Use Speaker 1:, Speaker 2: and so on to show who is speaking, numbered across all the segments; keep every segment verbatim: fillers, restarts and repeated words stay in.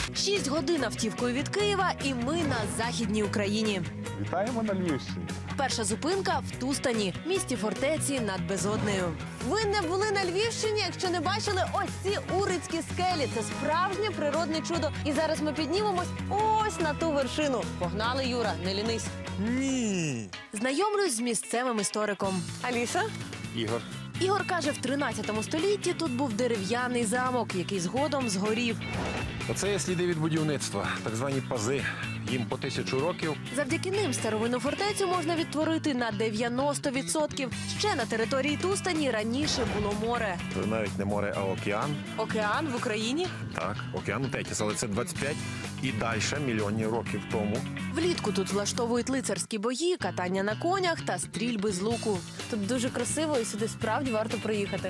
Speaker 1: Шість годин автівкою від Києва, і ми на Західній Україні.
Speaker 2: Вітаємо на Львівщині.
Speaker 1: Перша зупинка в Тустані, місті фортеці над Безоднею. Ви не були на Львівщині, якщо не бачили ось ці Урицькі скелі. Це справжнє природне чудо. І зараз ми піднімемось ось на ту вершину. Погнали, Юра, не лінись.
Speaker 3: Ні.
Speaker 1: Знайомлюсь з місцевим істориком. Аліса?
Speaker 3: Ігор.
Speaker 1: Ігор каже, в тринадцятому столітті тут був дерев'яний замок, який згодом згорів.
Speaker 3: Оце є сліди від будівництва, так звані пази. Їм по тисячу років.
Speaker 1: Завдяки ним старовинну фортецю можна відтворити на дев'яносто відсотків. Ще на території Тустані раніше було море.
Speaker 3: Це навіть не море, а океан.
Speaker 1: Океан в Україні?
Speaker 3: Так, океан у Тетіс, але це двадцять п'ять і далі мільйонів років тому.
Speaker 1: Влітку тут влаштовують лицарські бої, катання на конях та стрільби з луку. Тут дуже красиво і сюди справді варто приїхати.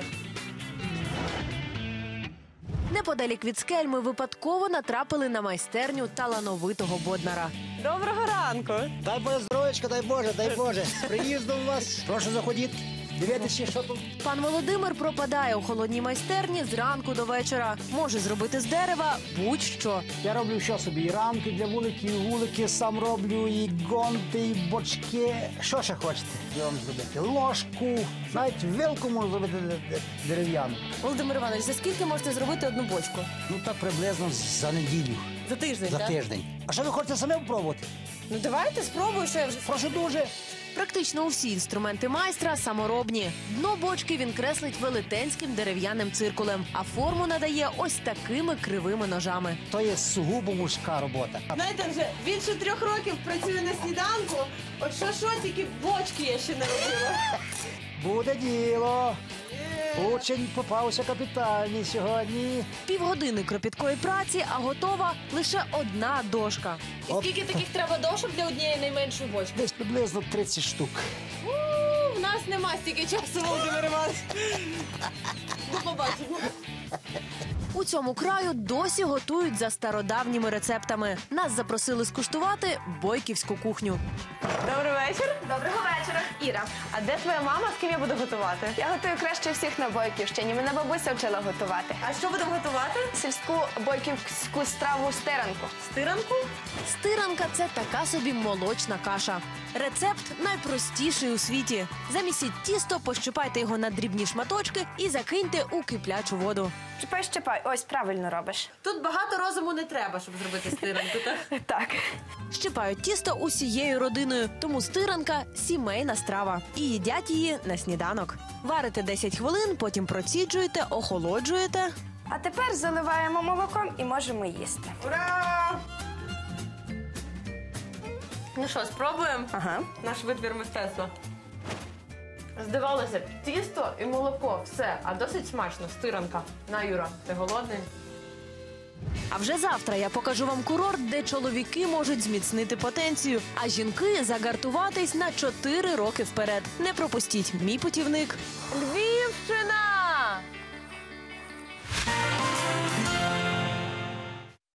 Speaker 1: Неподалік від скель ми випадково натрапили на майстерню талановитого боднара. Доброго ранку!
Speaker 4: Дай Боже здоров'ячка, дай Боже, дай Боже. З приїздом вас. Прошу заходіть. Дивіться, що тут.
Speaker 1: Пан Володимир пропадає у холодній майстерні зранку до вечора. Може зробити з дерева будь-що.
Speaker 4: Я роблю що собі? І рамки для вулики, і вулики сам роблю, і гонти, і бочки. Що ще хочете я вам зробити? Ложку, навіть вилку можу зробити дерев'яну.
Speaker 1: Володимир Іванович, за скільки можете зробити одну бочку?
Speaker 4: Ну так приблизно за неділю,
Speaker 1: За тиждень,
Speaker 4: за
Speaker 1: так?
Speaker 4: тиждень. А що ви хочете самі спробувати?
Speaker 1: Ну давайте спробую, що я вже...
Speaker 4: Прошу дуже.
Speaker 1: Практично усі інструменти майстра саморобні. Дно бочки він креслить велетенським дерев'яним циркулем, а форму надає ось такими кривими ножами.
Speaker 4: То є сугубо мужська робота.
Speaker 5: Знаєте, вже більше трьох років працюю на сніданку. От що що, тільки бочки я ще не робила.
Speaker 4: Буде діло. Учень попався капітальний сьогодні.
Speaker 1: Півгодини кропіткої праці, а готова лише одна дошка.
Speaker 5: І скільки таких треба дошок для однієї найменшої бочки?
Speaker 4: Десь приблизно тридцять штук.
Speaker 5: У, в нас нема стільки часу, Володимир Іванович. До побачення.
Speaker 1: У цьому краю досі готують за стародавніми рецептами. Нас запросили скуштувати бойківську кухню.
Speaker 5: Добрий вечір. Доброго вечора. Іра, а де твоя мама, з ким я буду готувати?
Speaker 6: Я готую краще всіх на Бойківщині. Мене бабуся вчила готувати.
Speaker 5: А що будемо готувати?
Speaker 6: Сільську бойківську страву стиранку.
Speaker 5: Стиранку?
Speaker 1: Стиранка – це така собі молочна каша. Рецепт найпростіший у світі. Замісіть тісто, пощипайте його на дрібні шматочки і закиньте у киплячу воду.
Speaker 6: Чіпай, щипай. Ось, правильно робиш.
Speaker 5: Тут багато розуму не треба, щоб зробити стиранку, так?
Speaker 6: Так.
Speaker 1: Щипають тісто усією родиною, тому стиранка – сімейна страва. І їдять її на сніданок. Варите десять хвилин, потім проціджуєте, охолоджуєте.
Speaker 6: А тепер заливаємо молоком і можемо їсти.
Speaker 5: Ура! Ну що, спробуємо?
Speaker 6: Ага.
Speaker 5: Наш витвір мистецтва. Здавалося б, тісто і молоко, все, а досить смачно, стиранка. На, Юра, ти голодний?
Speaker 1: А вже завтра я покажу вам курорт, де чоловіки можуть зміцнити потенцію, а жінки загартуватись на чотири роки вперед. Не пропустіть мій путівник.
Speaker 5: Львівщина!